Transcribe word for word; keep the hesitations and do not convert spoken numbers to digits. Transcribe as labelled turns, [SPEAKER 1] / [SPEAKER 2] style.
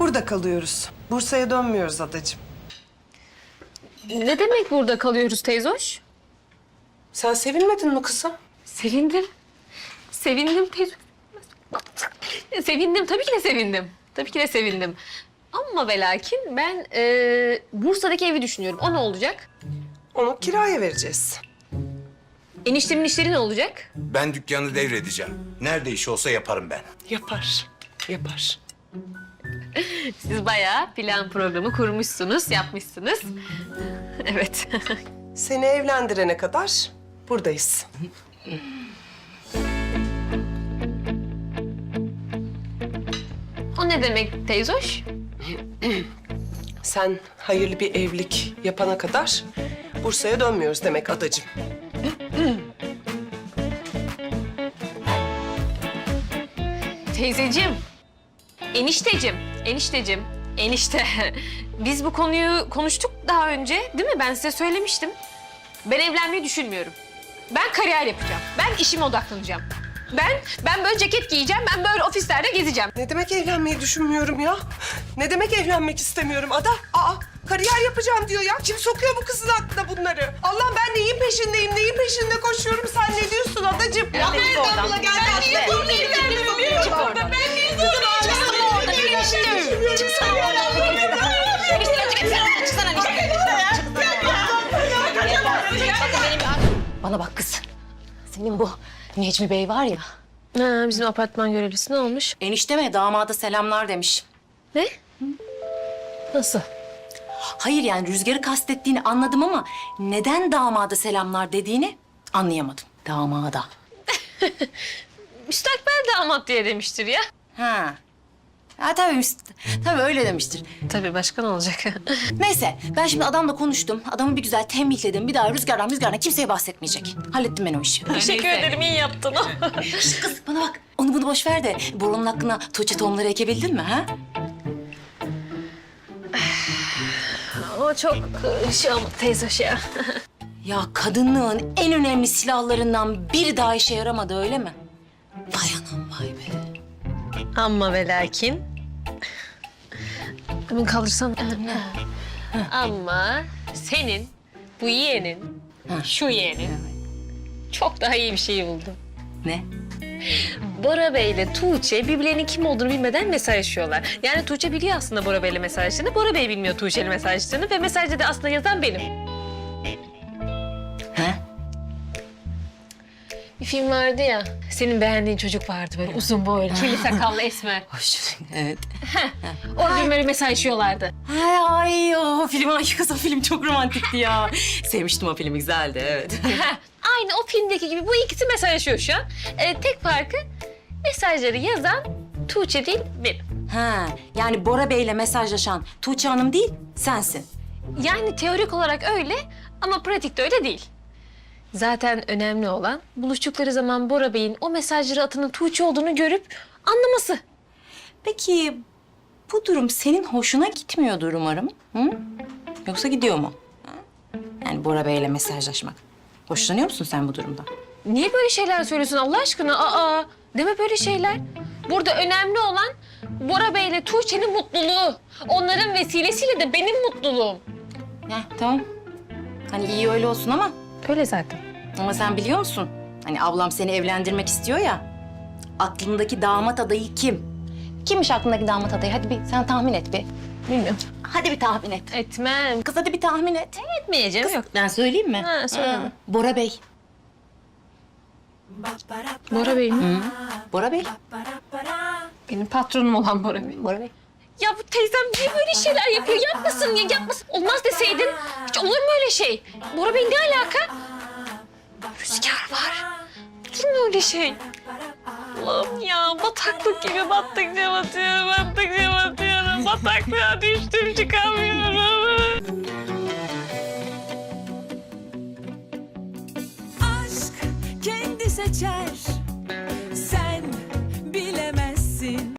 [SPEAKER 1] Burada kalıyoruz. Bursa'ya dönmüyoruz adacığım.
[SPEAKER 2] Ne demek burada kalıyoruz teyzoş?
[SPEAKER 1] Sen sevinmedin mi kızım?
[SPEAKER 2] Sevindim. Sevindim teyzoş. Sevindim, tabii ki de sevindim. Tabii ki de sevindim. Ama ve lakin ben e, Bursa'daki evi düşünüyorum. O ne olacak?
[SPEAKER 1] Onu kiraya vereceğiz.
[SPEAKER 2] Eniştemin işleri ne olacak?
[SPEAKER 3] Ben dükkanı devredeceğim. Nerede iş olsa yaparım ben.
[SPEAKER 1] Yapar, yapar.
[SPEAKER 2] Siz bayağı plan programı kurmuşsunuz, yapmışsınız. Evet.
[SPEAKER 1] Seni evlendirene kadar buradayız.
[SPEAKER 2] O ne demek teyzoş?
[SPEAKER 1] Sen hayırlı bir evlilik yapana kadar Bursa'ya dönmüyoruz demek adacığım.
[SPEAKER 2] Teyzeciğim, enişteciğim, enişteciğim, enişte. Biz bu konuyu konuştuk daha önce, değil mi? Ben size söylemiştim. Ben evlenmeyi düşünmüyorum. Ben kariyer yapacağım. Ben işime odaklanacağım. Ben, ben böyle ceket giyeceğim, ben böyle ofislerde gezeceğim.
[SPEAKER 1] Ne demek evlenmeyi düşünmüyorum ya? Ne demek evlenmek istemiyorum Ada? Aa, kariyer yapacağım diyor ya. Kim sokuyor bu kızın aklına bunları? Allah ben neyin peşindeyim, neyin peşinde koşuyorum? Sen ne diyorsun adacığım? Ya nereden bula geldi? Ben niye bunu evlenmiyorum? Çık oradan. Ben niye bunu evlenmiyorum?
[SPEAKER 2] Çıksana oradan. Çıksana enişte.
[SPEAKER 4] Bana bak kız. Senin bu Necmi Bey var ya.
[SPEAKER 2] Ha, bizim apartman görevlisi ne olmuş?
[SPEAKER 4] Enişteme damada selamlar demiş.
[SPEAKER 2] Ne? Nasıl?
[SPEAKER 4] Hayır yani Rüzgar'ı kastettiğini anladım ama neden damada selamlar dediğini anlayamadım. Damada.
[SPEAKER 2] Müstakbel damat diye demiştir ya.
[SPEAKER 4] Ha. Ha tabii, müst- tabii öyle demiştir.
[SPEAKER 2] Tabii başka ne olacak?
[SPEAKER 4] Neyse ben şimdi adamla konuştum. Adamı bir güzel tembihledim. Bir daha Rüzgar'dan Rüzgar'dan kimseye bahsetmeyecek. Hallettim ben o işi.
[SPEAKER 2] Teşekkür ederim, iyi yaptın.
[SPEAKER 4] Şişt kız bana bak. Onu bunu boş ver de Boran'ın hakkına Tuğçe tohumları ekebildin mi ha?
[SPEAKER 2] O çok şey oldu teyzoş ya.
[SPEAKER 4] Ya kadınlığın en önemli silahlarından biri daha işe yaramadı öyle mi? Vay anam vay be.
[SPEAKER 2] Ama ve lakin... Hemen kaldırsam. Ama senin, bu yeğenin, şu yeğenin çok daha iyi bir şey buldu.
[SPEAKER 4] Ne?
[SPEAKER 2] Bora Bey ile Tuğçe birbirlerinin kim olduğunu bilmeden mesajlaşıyorlar. Yani Tuğçe biliyor aslında Bora Bey'le mesajlaştığını, Bora Bey bilmiyor Tuğçe'yle mesajlaştığını ve mesajda da aslında yazan benim.
[SPEAKER 4] Ha?
[SPEAKER 2] Bir film vardı ya, senin beğendiğin çocuk vardı böyle uzun boylu, kirli sakallı esmer.
[SPEAKER 4] Hoş. Evet.
[SPEAKER 2] Orada böyle mesajlaşıyorlardı.
[SPEAKER 4] Ay, ay o film, ay kız o film çok romantikti ya. Sevmiştim o filmi, güzeldi evet.
[SPEAKER 2] Aynı o filmdeki gibi bu ikisi mesajlaşıyor şu an. Ee, tek farkı mesajları yazan Tuğçe değil benim.
[SPEAKER 4] Ha, yani Bora Bey'le mesajlaşan Tuğçe Hanım değil, sensin.
[SPEAKER 2] Yani teorik olarak öyle ama pratikte öyle değil. Zaten önemli olan buluştukları zaman Bora Bey'in o mesajları atanın Tuğçe olduğunu görüp anlaması.
[SPEAKER 4] Peki bu durum senin hoşuna gitmiyordur umarım. Hı? Yoksa gidiyor mu? Ha? Yani Bora Bey'le mesajlaşmak. Hoşlanıyor musun sen bu durumdan?
[SPEAKER 2] Niye böyle şeyler söylüyorsun Allah aşkına? Aa, deme böyle şeyler. Burada önemli olan Bora Bey ile Tuğçe'nin mutluluğu. Onların vesilesiyle de benim mutluluğum.
[SPEAKER 4] Heh, tamam. Hani iyi öyle olsun ama
[SPEAKER 2] Öyle zaten.
[SPEAKER 4] ama sen biliyor musun? Hani ablam seni evlendirmek istiyor ya. Aklındaki damat adayı kim? Kimmiş aklındaki damat adayı? Hadi bir sen tahmin et bir.
[SPEAKER 2] Bilmiyorum.
[SPEAKER 4] Hadi bir tahmin et.
[SPEAKER 2] Etmem.
[SPEAKER 4] Kız hadi bir tahmin et.
[SPEAKER 2] Etmeyeceğim. Yok.
[SPEAKER 4] Ben söyleyeyim mi?
[SPEAKER 2] Ha, söyle.
[SPEAKER 4] Ha, Bora Bey.
[SPEAKER 2] Bora Bey mi?
[SPEAKER 4] Bora Bey.
[SPEAKER 2] Benim patronum olan Bora Bey.
[SPEAKER 4] Bora Bey.
[SPEAKER 2] Ya bu teyzem niye böyle şeyler yapıyor? Yapmasın ya, yapmasın. Olmaz deseydin. Hiç olur mu öyle şey? Bora Bey ne alaka? Rüzgar var. Olur mu öyle şey? Allah'ım ya, bataklık gibi battıkça batıyorum, battıkça batıyorum. Bataklığa düştüm, çıkamıyorum.
[SPEAKER 5] Aşk kendi seçer